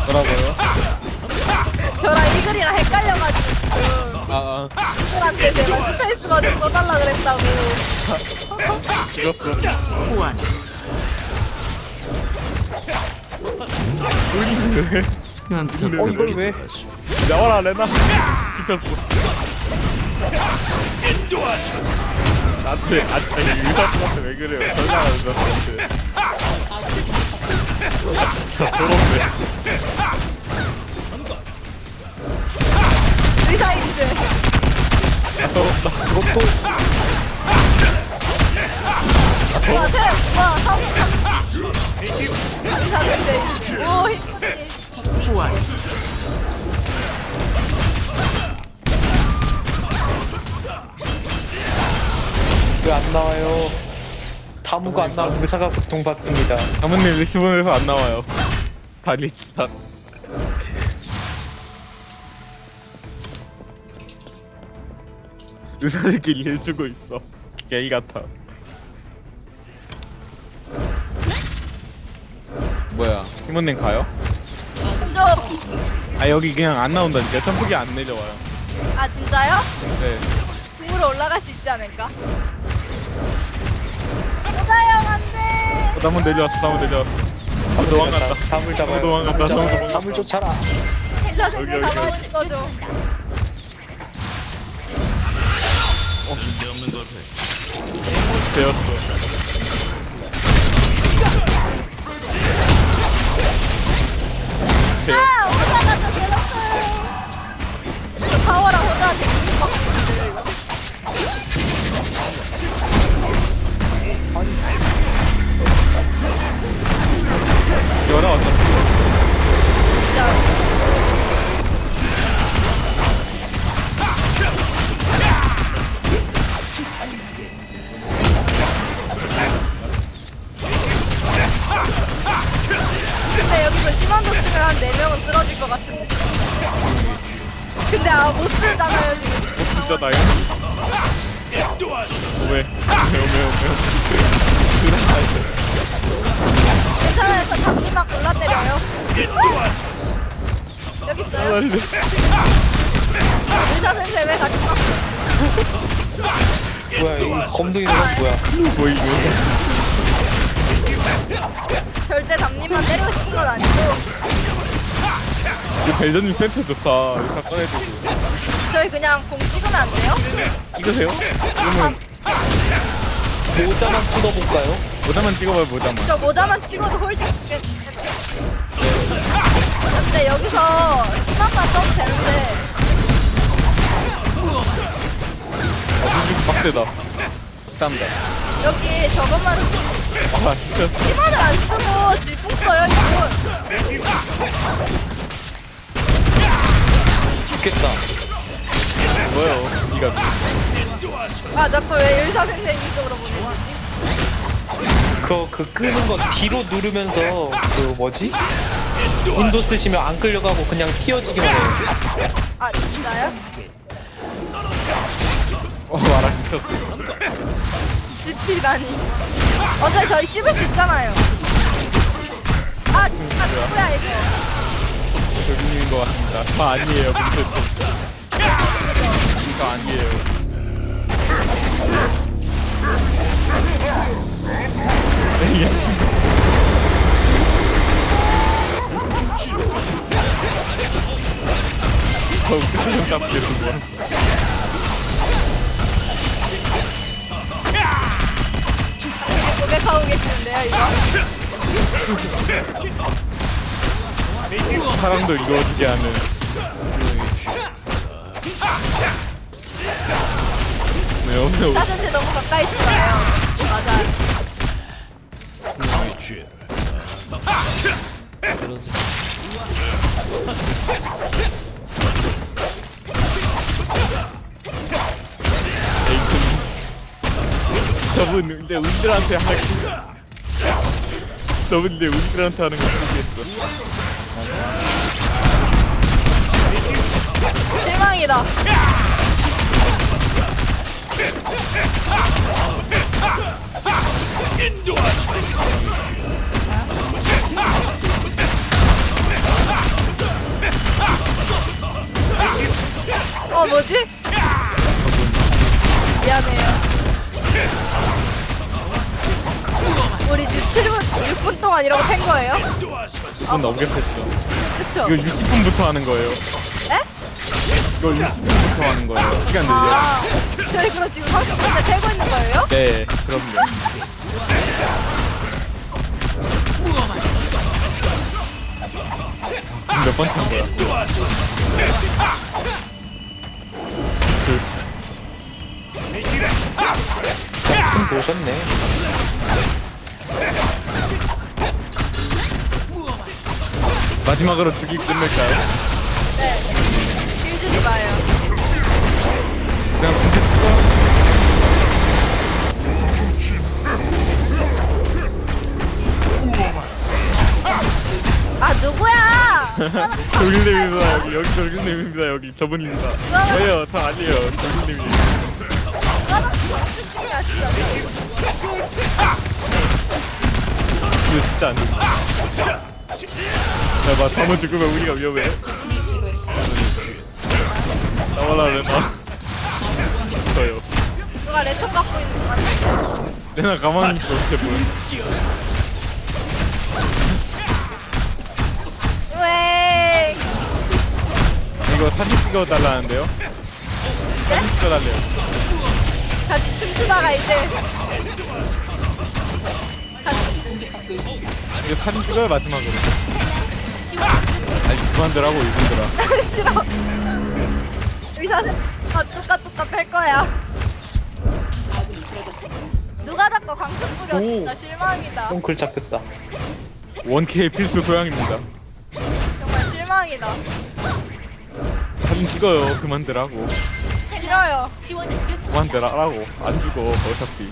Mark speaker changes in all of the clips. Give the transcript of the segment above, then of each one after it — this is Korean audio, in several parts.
Speaker 1: 뭐라고요?
Speaker 2: 저랑 이글이랑 헷갈려가지고 지금
Speaker 1: 아,
Speaker 2: 이글한테 제가 스페이스가 좀 써달라 그랬다고.
Speaker 1: 죽었어.
Speaker 3: 호환.
Speaker 1: 우리는
Speaker 3: 현타
Speaker 1: 이걸 왜? 나와라 레나. 씹혔어. 나한테 유사한테 왜 그래요? 설명하는 사람한테. 진짜 더럽네.
Speaker 2: 의사인지.
Speaker 1: 아 더럽다. 그것도
Speaker 2: 와, 와, 의사인지. 오, 힘들이.
Speaker 3: 호환.
Speaker 4: 왜 안 나와요? 다무가 안 나오면 의사가 고통받습니다.
Speaker 1: 아무님 리스본에서 안 나와요. 다 리스타. 의사들끼리 일 주고 있어. 게이 같아. 뭐야? 팀원님 가요?
Speaker 2: 좀.
Speaker 1: 아 여기 그냥 안 나온다니까. 점프기 안 내려와요.
Speaker 2: 아, 진짜요?
Speaker 1: 네.
Speaker 2: 궁으로 올라갈 수 있지 않을까? 호다형 안 돼!
Speaker 1: 한번 내려왔어. 한번 내려왔어. 한번 도망갔다.
Speaker 4: 다물 잡아요.
Speaker 1: 도망갔다. 도망갔다.
Speaker 4: 다물 쫓아라.
Speaker 2: 힐러
Speaker 1: 여기,
Speaker 2: 생물
Speaker 1: 여기.
Speaker 2: 잡아줄 거죠.
Speaker 1: 되었어.
Speaker 2: 아! 호다가 좀 괴롭혀요. 이거 파워랑 호다한테 궁 받고 있는데, 이거.
Speaker 1: 열어 왔어.
Speaker 2: 진짜. 근데 여기서 심한도 쓰면 한 4명은 쓰러질 것 같은데. 근데 못 쓰잖아요, 지금.
Speaker 1: 진짜나요? 왜?
Speaker 2: 괜찮아요, 저 잡기만 골라 때려요. 여기 있어요. 의사 선생 왜 같이 가?
Speaker 4: 뭐야 이 검둥이는 뭐야?
Speaker 1: 뭐 이거?
Speaker 2: 절대 담님만 때리고 싶은 건 아니고
Speaker 1: 이 벨저님 센터 좋다. 이거 다 꺼내주고.
Speaker 2: 저희 그냥 공 찍으면 안 돼요?
Speaker 1: 찍으세요? 그러면
Speaker 4: 모자만 찍어볼까요?
Speaker 1: 모자만 찍어봐요. 모자만.
Speaker 2: 저 모자만 찍어도 홀딩 근데 여기서 심한만 써도 되는데
Speaker 1: 진짜 빡세다. 땀다.
Speaker 2: 여기 저것만
Speaker 1: 아 진짜.
Speaker 2: 심한을 안 쓰고 질풍 써요 이분.
Speaker 4: 죽겠다.
Speaker 1: 뭐요? 니가
Speaker 2: 아 자꾸 왜 의사 선생님 쪽으로 보내지?
Speaker 4: 그 끄는 거 뒤로 누르면서 그 뭐지? 윈도 쓰시면 안 끌려가고 그냥 튀어지기만 해요.
Speaker 2: 아 진짜요?
Speaker 1: 말아 시켰어.
Speaker 2: 지피라니. 어차피 저희 씹을 수 있잖아요. 아 진짜 누구야 이거?
Speaker 1: 저기인 것 같습니다. 저 아니에요. 근데 저 아니에요. 저 표정 잡게 된 거야.
Speaker 2: 고백하고 계시는데요 이거?
Speaker 1: 사랑도 이루어지지 않은. 네,
Speaker 2: 사전제 너무 가까이 있지 마요. 맞아.
Speaker 1: 저분 근데 우리들한테 하는 저분 근데 우리들한테 하는 거 모르겠어.
Speaker 2: 실망이다. 뭐지? 미안해요. 우리 지금 7분, 6분 동안 이러고 팬 거예요?
Speaker 1: 6분 넘겼겠죠.
Speaker 2: 그쵸?
Speaker 1: 이거 60분부터 하는 거예요.
Speaker 2: 에?
Speaker 1: 이거 60분부터 하는 거예요. 시간 늘려.
Speaker 2: 아, 저희 그럼 지금 30분째 패고 있는 거예요?
Speaker 1: 네, 그럼요. 지금 몇 번째 한 거야?
Speaker 4: 좀 보셨네.
Speaker 1: 마지막으로 죽이 끝낼까요?
Speaker 2: 네. 길 주지 마요.
Speaker 1: 그냥 공개 찍어.
Speaker 2: 아, 누구야?
Speaker 1: 돌길님입니다. 여기 돌길님입니다. 여기 저분입니다. 저예요. 저 아니에요. 돌길님이.
Speaker 2: 야, 진짜.
Speaker 1: 이거 진짜 안 된다. 야, 봐, 다무 죽으면 우리가 위험해. 나와라, 레나. 저요.
Speaker 2: 누가 레터 갖고 있는 거 같아.
Speaker 1: 레나 가만히 있어, 어떻게 보여.
Speaker 2: 왜?
Speaker 1: 이거 사진 찍어달라는데요? 사진 찍어달래요.
Speaker 2: 같이 춤추다가 이제.
Speaker 1: 이거 사진 찍어요, 마지막으로. 아니, 그만들라고, 이분들아.
Speaker 2: 싫어. 의사생 뚜까뚜까 팰 거야. 누가 자꾸 광석 뿌려. 진짜 실망이다.
Speaker 4: 똥글 잡혔다.
Speaker 1: 원케이 필수 소양입니다.
Speaker 2: 정말 실망이다.
Speaker 1: 사진 찍어요, 그만들라고.
Speaker 2: 싫어요.
Speaker 1: 그만들라고. 안 죽어, 어차피.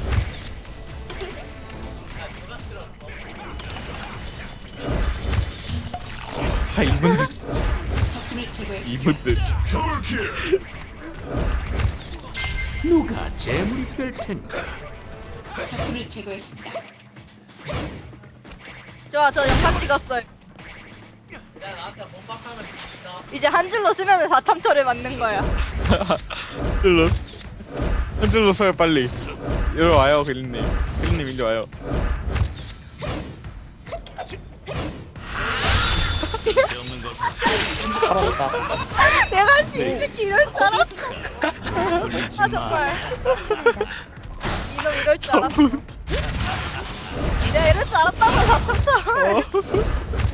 Speaker 1: 아, 이분들 진짜. 이분들.
Speaker 3: 누가 재물이 될 텐가?
Speaker 5: 적군을 제거했습니다.
Speaker 2: 좋아, 저 영상 찍었어요. 이제 한 줄로 쓰면 4참초를 맞는 거야.
Speaker 1: 한 줄로 써요, 빨리. 이리 와요, 그린님. 그린님, 이리 와요.
Speaker 4: 살았다.
Speaker 2: 내가 시새끼 이럴 줄 알았어. 아, 정말. 이놈 이럴 줄 알았어. 내가 이럴 줄 알았다고 4참초를.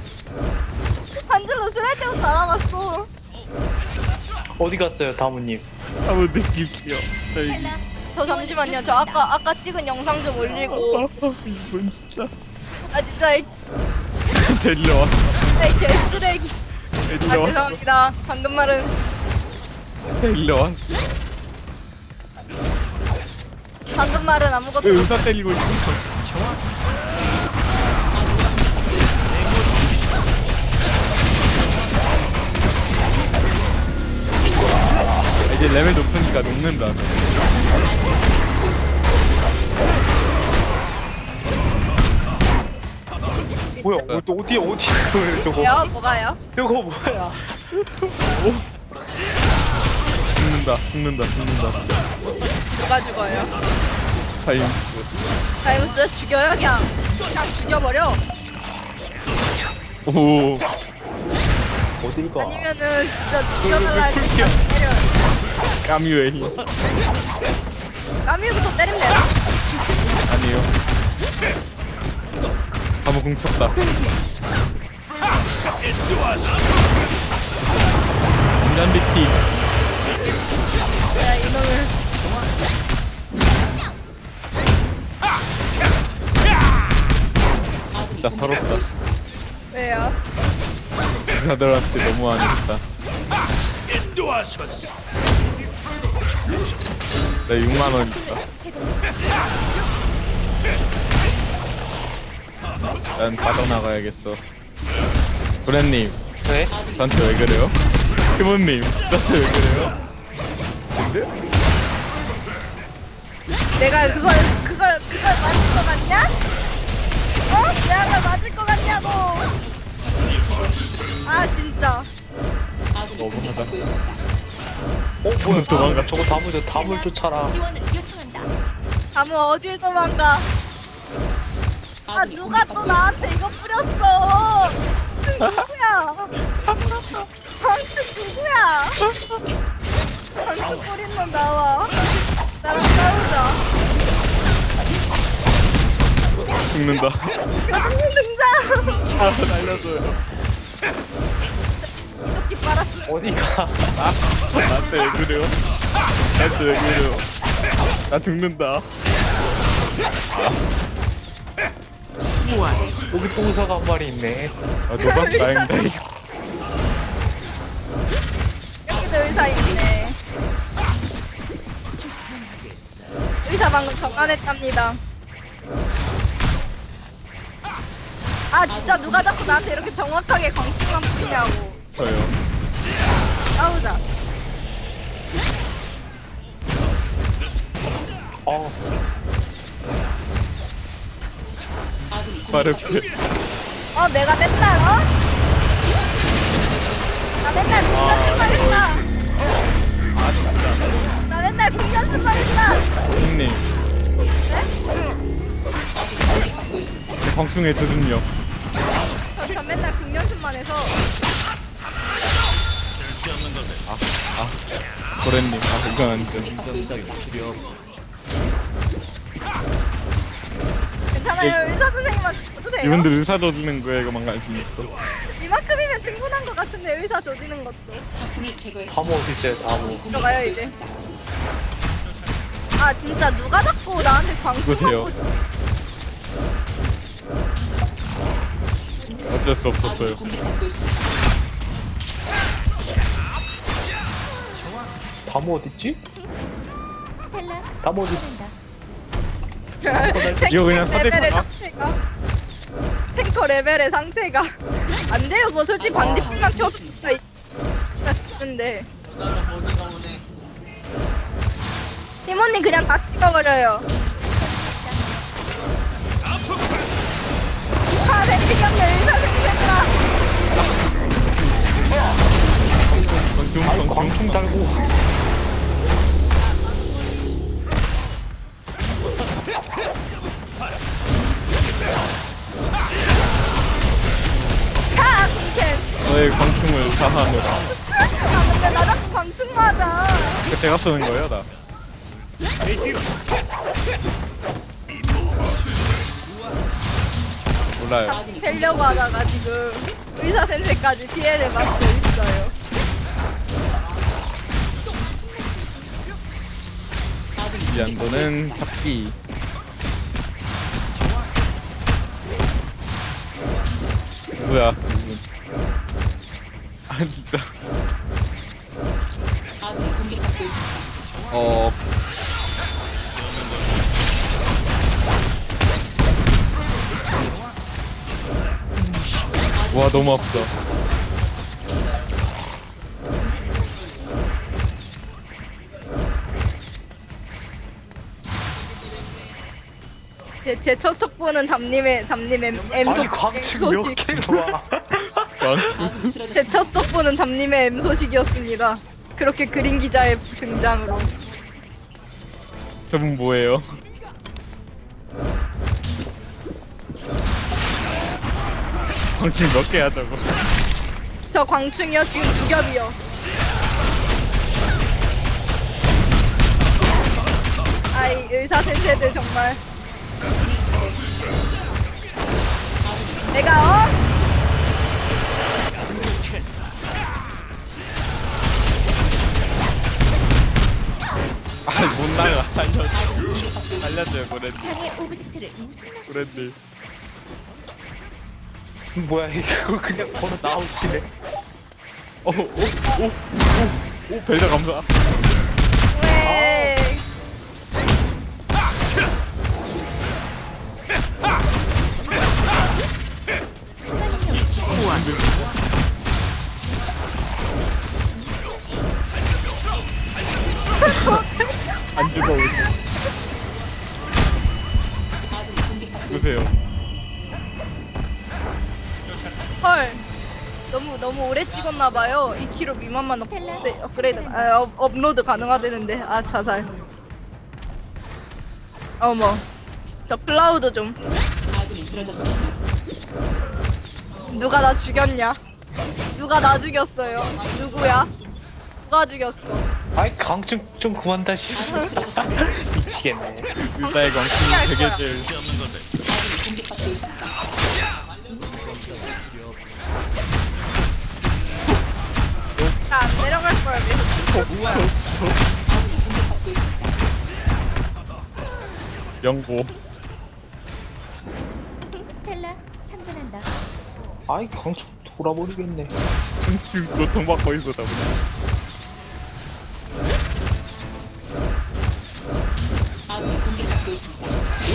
Speaker 2: 한 줄로 쓸 때부터 알아봤어.
Speaker 4: 어디 갔어요, 다무님?
Speaker 1: 한번 느낄게요. 저희.
Speaker 2: 저 잠시만요. 저 아까 찍은 영상 좀 올리고.
Speaker 1: 이분 진짜.
Speaker 2: 아 진짜 이
Speaker 1: 데리러 와.
Speaker 2: 개쓰레기. 아
Speaker 1: 데리러 와.
Speaker 2: 죄송합니다. 방금 말은
Speaker 1: 데리러 와.
Speaker 2: 방금 말은 아무것도
Speaker 1: 왜 의사 때리고 있어? 이제 레벨 높으니까 녹는다.
Speaker 4: 뭐야? 또 어디 있어요, 저거?
Speaker 2: 뭐요? 뭐가요?
Speaker 4: 이거 뭐야?
Speaker 1: 죽는다.
Speaker 2: 누가 죽어요?
Speaker 1: 타임스.
Speaker 2: 다이무스 죽여요 그냥 죽여버려.
Speaker 1: 오.
Speaker 4: 어딜 가?
Speaker 2: 아니면은 진짜 죽여달라 할 때 그냥 때려요.
Speaker 1: 까뮤의 힘.
Speaker 2: 까미부터 때리면 되나?
Speaker 1: 아니요. 한번 궁쳤다. 인간 비티.
Speaker 2: 야 이놈을.
Speaker 1: 진짜 서럽다.
Speaker 2: 왜요?
Speaker 1: 의사들한테 너무 안 했다. 나 6만원 있다. 난 빠져나가야겠어. 브랜님,
Speaker 4: 네?
Speaker 1: 저한테 왜 그래요? 티모님, 저한테 왜 그래요? 근데?
Speaker 2: 내가 그걸 맞을 것 같냐? 어? 내가 그걸 맞을 것 같냐고. 아 진짜.
Speaker 1: 너무하다.
Speaker 4: 뭐야
Speaker 1: 도망가.
Speaker 4: 저거 담을 쫓아라.
Speaker 5: 지원을 요청한다.
Speaker 2: 다무 어딜 도망가? 아
Speaker 5: 아군이
Speaker 2: 누가 또
Speaker 5: 공격받고
Speaker 2: 나한테 이거 뿌렸어? 누구야? 방치 누구야? 방치 뿌린 놈 나와. 나랑 싸우자.
Speaker 1: 죽는다.
Speaker 2: 가족님 등장.
Speaker 1: 아 날려줘요.
Speaker 2: 이조끼 빨았어.
Speaker 4: 어디가?
Speaker 1: 나한테 왜 그래요? 나한테 왜 그래요? 나 죽는다.
Speaker 4: 여기 똥사가 한 마리 있네.
Speaker 1: 아 너가 다행이다.
Speaker 2: 여기도 의사 있네. 의사 방금 정안했답니다. 아 진짜 누가 자꾸 나한테 이렇게 정확하게 광충만 뿌리냐고.
Speaker 1: 저요.
Speaker 2: 싸우자.
Speaker 4: 어
Speaker 5: 아군이
Speaker 1: 빠르게.
Speaker 2: 내가 맨날 나 맨날 공연수만 했다. 나 맨날 공연수만 했다.
Speaker 1: 형님
Speaker 5: 공격받고 있습니다.
Speaker 1: 광충의 저준요.
Speaker 2: 저 맨날 공연수만 해서
Speaker 1: 고래님. 아 이건 아니죠.
Speaker 2: 괜찮아요. 의사 선생님만 죽어도 돼요.
Speaker 1: 이분들 의사 져주는 거에 이거 망갈 수 있어.
Speaker 2: 이만큼이면 충분한 것 같은데 의사 조지는 것도.
Speaker 5: 적군을 제거했습니다.
Speaker 4: 담 어디 있어요? 담.
Speaker 2: 들어가요 이제. 아 진짜 누가 자꾸 나한테
Speaker 1: 누구세요?
Speaker 2: 광충하고
Speaker 1: 어쩔 수 없었어요.
Speaker 5: 공격받고 있습니다.
Speaker 4: 담 어디 있지?
Speaker 5: 스텔라
Speaker 4: 담 어디 있어?
Speaker 1: 이거 그냥 4대
Speaker 2: 레벨의
Speaker 1: 4가?
Speaker 2: 상태가 탱커 레벨의 상태가 안 돼요. 뭐 솔직히 반딧불만 켜도 진짜 있는데 팀원님 그냥 다 찍어버려요. 아 벤치경네 의사 생겼다.
Speaker 1: 광충
Speaker 4: 광충 달고.
Speaker 2: 카 쿵캔.
Speaker 1: 저의 광충을 사하노라.
Speaker 2: 아 근데 나 자꾸 광충 맞아.
Speaker 1: 그 제가 쓰는 거예요 나. 몰라요.
Speaker 2: 되려고 하다가 지금 의사 센세까지 피해를 받고 있어요.
Speaker 1: 이 안도는 잡기. 뭐야? 이분. 아 진짜.
Speaker 5: 아군이 공격받고 있습니다.
Speaker 1: 와 너무 아프다.
Speaker 2: 제 첫 속보는 담님의 M
Speaker 4: 아니
Speaker 2: 소
Speaker 4: 광충 몇
Speaker 2: 소식.
Speaker 4: 개와?
Speaker 1: 광충.
Speaker 5: 아군이
Speaker 2: 제
Speaker 5: 쓰러졌습니다.
Speaker 2: 첫 속보는 담님의 M 소식이었습니다. 그렇게 그린 기자의 등장으로.
Speaker 1: 저분 뭐예요? 광충 몇 개야 저거?
Speaker 2: 저 광충이요 지금 두 겹이요. 아이 의사 센세들 정말. 내가
Speaker 1: 아못 나가. 살려줘요 고래님.
Speaker 5: 방해 오브젝트를
Speaker 1: 고래님.
Speaker 4: 뭐야 이거 그냥 걸어 나오시네.
Speaker 1: 오 벨저 감사.
Speaker 2: 왜?
Speaker 1: 안 죽어.
Speaker 5: 아군이 공격받고
Speaker 1: 보세요.
Speaker 2: 헐. 너무 너무 오래 찍었나봐요. 2kg 미만만
Speaker 5: 스텔라,
Speaker 2: 업그레이드,
Speaker 5: 참전한다.
Speaker 2: 업로드 가능하다는데. 아, 자살. 어머. 저 클라우드 좀.
Speaker 5: 아군이 쓰러졌습니다.
Speaker 2: 누가 나 죽였냐? 누가 나 죽였어요? 누구야? 누가 죽였어?
Speaker 4: 아이 강증 좀 그만 다시. 미치겠네.
Speaker 1: 의사의 광충이 되게 제일
Speaker 5: 아군이 공격받고 있습니다.
Speaker 2: 나 안 내려갈 거야, 계속.
Speaker 5: 아군이 공격받고 있습니다.
Speaker 1: 영고.
Speaker 5: 스텔라 참전한다.
Speaker 4: 아이 강증 돌아버리겠네.
Speaker 1: 지금 고통받고 있어 다 그냥.
Speaker 5: 아군이 공격받고 있습니다.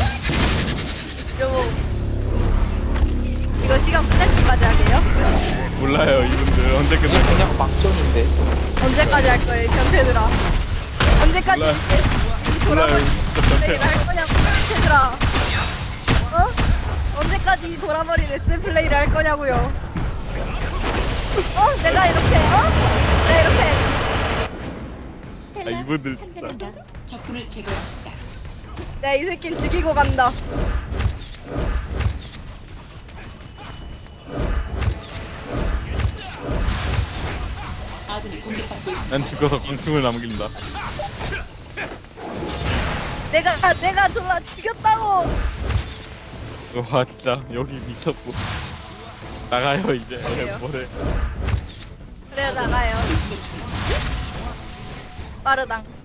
Speaker 2: 이거 시간 끝날 때까지 하게요?
Speaker 1: 몰라요 이분들 언제
Speaker 4: 이제
Speaker 1: 끝날
Speaker 4: 그냥 막전인데.
Speaker 2: 언제까지 할 거예요, 변태들아? 언제까지
Speaker 1: 몰라.
Speaker 2: 이제 이
Speaker 1: 몰라요
Speaker 2: 돌아버린
Speaker 1: 진짜
Speaker 2: 플레이를
Speaker 1: 변태.
Speaker 2: 할 거냐고, 변태들아? 어? 언제까지 이 돌아버린 레슨 플레이를 할 거냐고요? 내가 이렇게, 내가 이렇게.
Speaker 5: 스텔라
Speaker 1: 이분들 진짜.
Speaker 5: 참전한다. 적군을 제거했다.
Speaker 2: 내가 이 새끼는 죽이고 간다.
Speaker 5: 아군이 공격받고 있습니다.
Speaker 1: 난 죽어서 광충을 남긴다.
Speaker 2: 내가 졸라 죽였다고!
Speaker 1: 와 진짜 여기 미쳤어. 나가요 이제.
Speaker 2: 그래요?
Speaker 1: 뭐래.
Speaker 2: 그래, 나가요. 빠르당.